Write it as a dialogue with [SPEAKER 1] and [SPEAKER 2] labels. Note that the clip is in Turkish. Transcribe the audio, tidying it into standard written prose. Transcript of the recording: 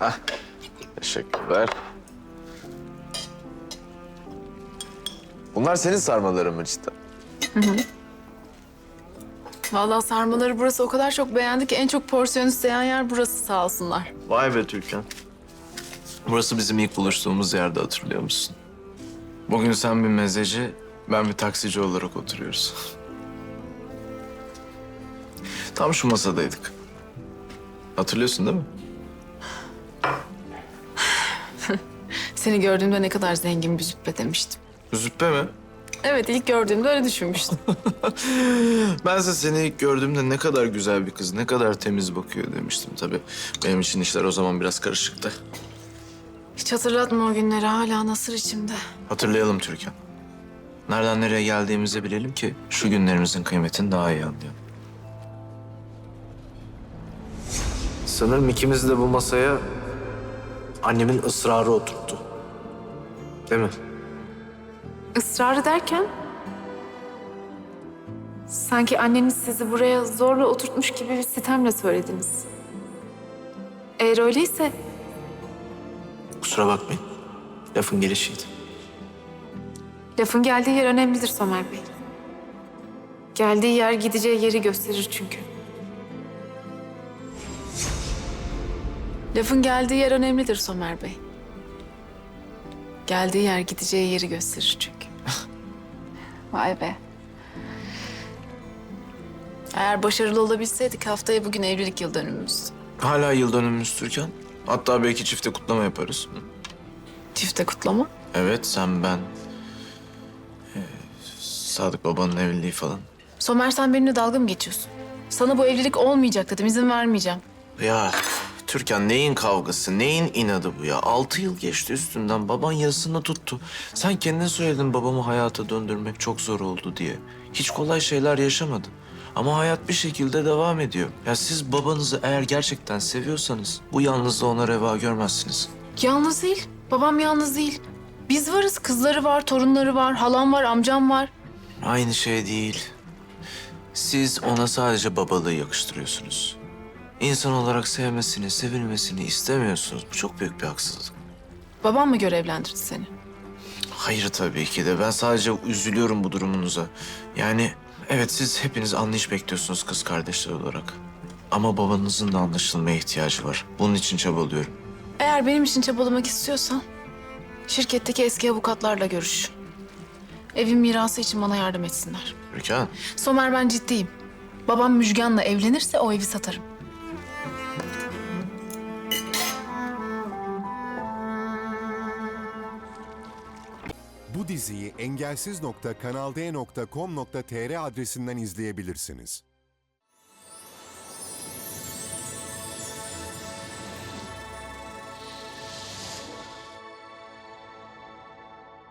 [SPEAKER 1] Hah, teşekkürler. Bunlar senin sarmaların mı cidden?
[SPEAKER 2] Vallahi sarmaları burası o kadar çok beğendi ki en çok porsiyon isteyen yer burası sağ olsunlar.
[SPEAKER 1] Vay be Türkan. Burası bizim ilk buluştuğumuz yerde, hatırlıyor musun? Bugün sen bir mezeci, ben bir taksici olarak oturuyoruz. Tam şu masadaydık. Hatırlıyorsun değil mi?
[SPEAKER 2] Seni gördüğümde ne kadar zengin bir züppe demiştim.
[SPEAKER 1] Züppe mi?
[SPEAKER 2] Evet, ilk gördüğümde öyle düşünmüştüm.
[SPEAKER 1] Bense seni ilk gördüğümde ne kadar güzel bir kız, ne kadar temiz bakıyor demiştim tabii. Benim için işler o zaman biraz karışıktı.
[SPEAKER 2] Hiç hatırlatma o günleri, hala nasır içimde.
[SPEAKER 1] Hatırlayalım Türkan. Nereden nereye geldiğimizi bilelim ki şu günlerimizin kıymetini daha iyi anlayalım. Sanırım ikimiz de bu masaya annemin ısrarı oturttu. Değil mi?
[SPEAKER 2] Israrı derken? Sanki anneniz sizi buraya zorla oturtmuş gibi bir sitemle söylediniz. Eğer öyleyse
[SPEAKER 1] Kusura bakmayın. Lafın gelişiydi.
[SPEAKER 2] lafın geldiği yer önemlidir Somer Bey. Geldiği yer gideceği yeri gösterir çünkü. Lafın geldiği yer önemlidir Somer Bey. Geldiği yer gideceği yeri gösterir çünkü. Vay be. Eğer başarılı olabilseydik haftaya bugün evlilik yıl dönümümüz.
[SPEAKER 1] Hala yıl dönümümüz Türkan. Hatta belki çifte kutlama yaparız. Hı?
[SPEAKER 2] Çifte kutlama.
[SPEAKER 1] Evet, sen, ben, Sadık babanın evliliği falan.
[SPEAKER 2] Somer, sen benimle dalga mı geçiyorsun? Sana bu evlilik olmayacak dedim, izin vermeyeceğim.
[SPEAKER 1] Ya Türkan, neyin kavgası, neyin inadı bu ya? 6 yıl geçti üstünden, baban yazısını tuttu. Sen kendin söyledin babamı hayata döndürmek çok zor oldu diye. Hiç kolay şeyler yaşamadın. Ama hayat bir şekilde devam ediyor. Ya siz babanızı eğer gerçekten seviyorsanız bu yalnızlığı ona reva görmezsiniz.
[SPEAKER 2] Yalnız değil, babam yalnız değil. Biz varız, kızları var, torunları var, halam var, amcam var.
[SPEAKER 1] Aynı şey değil. Siz ona sadece babalığı yakıştırıyorsunuz. İnsan olarak sevmesini, sevilmesini istemiyorsunuz. Bu çok büyük bir haksızlık.
[SPEAKER 2] Babam mı görevlendirdi seni?
[SPEAKER 1] Hayır tabii ki de. Ben sadece üzülüyorum bu durumunuza. Yani evet, siz hepiniz anlayış bekliyorsunuz kız kardeşler olarak. Ama babanızın da anlaşılmaya ihtiyacı var. Bunun için çabalıyorum.
[SPEAKER 2] Eğer benim için çabalamak istiyorsan şirketteki eski avukatlarla görüş. Evin mirası için bana yardım etsinler.
[SPEAKER 1] Türkan,
[SPEAKER 2] Somer, ben ciddiyim. Babam Müjgan'la evlenirse o evi satarım.
[SPEAKER 3] Bu diziyi engelsiz.kanalde.com.tr adresinden izleyebilirsiniz.